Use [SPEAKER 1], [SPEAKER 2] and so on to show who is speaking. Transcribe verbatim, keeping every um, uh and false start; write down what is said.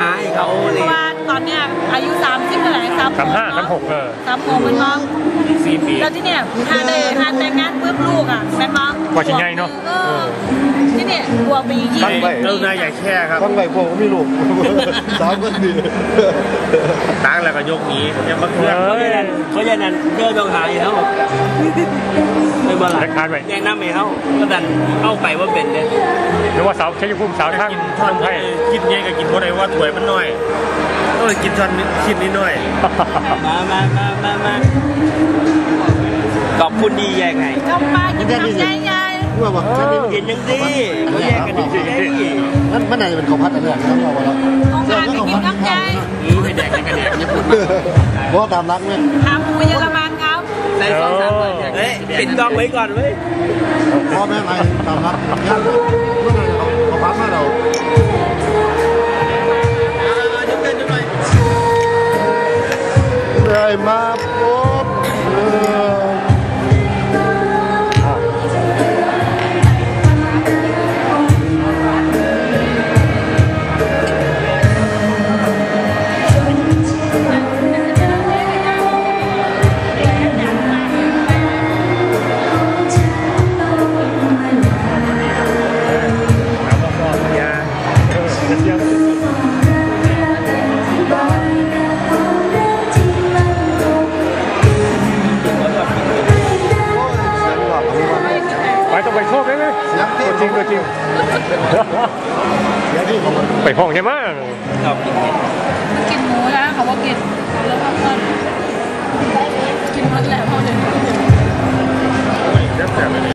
[SPEAKER 1] หาให้เขาเลย
[SPEAKER 2] เพราะว่าตอนเนี้ยอายุสามสิบเท่าไหร่สาม
[SPEAKER 3] สามห้าสามหกเออ
[SPEAKER 2] สามหกเป็นมั้ง
[SPEAKER 3] สี่ปี
[SPEAKER 2] แล้วที่เนี่ยถ้าได้ถ้าแต่งงานปุ๊บลูกอ่ะเป็นมั้ง
[SPEAKER 3] กว่าชิ้นใหญ่เนาะ
[SPEAKER 2] ที่เนี่ยบวกไปยี่สิบ
[SPEAKER 4] เจ้านายใหญ่แค่ครับต้องไปพวกก็ไม่ลูกสามคนดีตั้งแล้วก็ยกนี้ยังมาเคลื่อน
[SPEAKER 1] เพราะฉะนั้นเพราะฉะนั้นเดินต้องหาเขาไม่บ่หลักแนะนำให้เขาก็ดันเอาไปว่าเป็นเลย
[SPEAKER 3] หรือว่าสาวใช้ยุ่งสาวทั้ง
[SPEAKER 4] ท่อนให้กินเยอะกับกินเพราะอะไรว่าถวยมันน้อยต้องกินท่อนคิดนิดหน่อย
[SPEAKER 1] มามามามามาขอบคุณดีแยกไง
[SPEAKER 2] กำปากินน้ำใหญ่
[SPEAKER 4] ๆว่าแบบ
[SPEAKER 1] เห็นยังดีเขาแยกกันดี
[SPEAKER 4] นั่นมันไหนเป็นข้าวผัดอะไรต้องเอาแล้ว
[SPEAKER 2] ของปลากินน้ำใจ
[SPEAKER 1] นี่ไม่แดกกันแดกญี่ปุ่น
[SPEAKER 4] เพราะตามรักไหม
[SPEAKER 2] ขาหมูเยอรมันครับ
[SPEAKER 1] ใส่ซอสสามเลยเฮ้ยปิดกล้องไว้ก่อนเว้ย
[SPEAKER 4] พ่อแม่ใครตามรักย่างเมื่อไหร่เขาพักมาเราได้มาพบ
[SPEAKER 3] ไปต้องไปโชคได้ไหมตัวจริงตัวจริงไปห้องใช่ไหม
[SPEAKER 2] กินหมูนะเขาว่ากินแล้วก็เพิ่มกินหมดแหละพอเดี๋ยว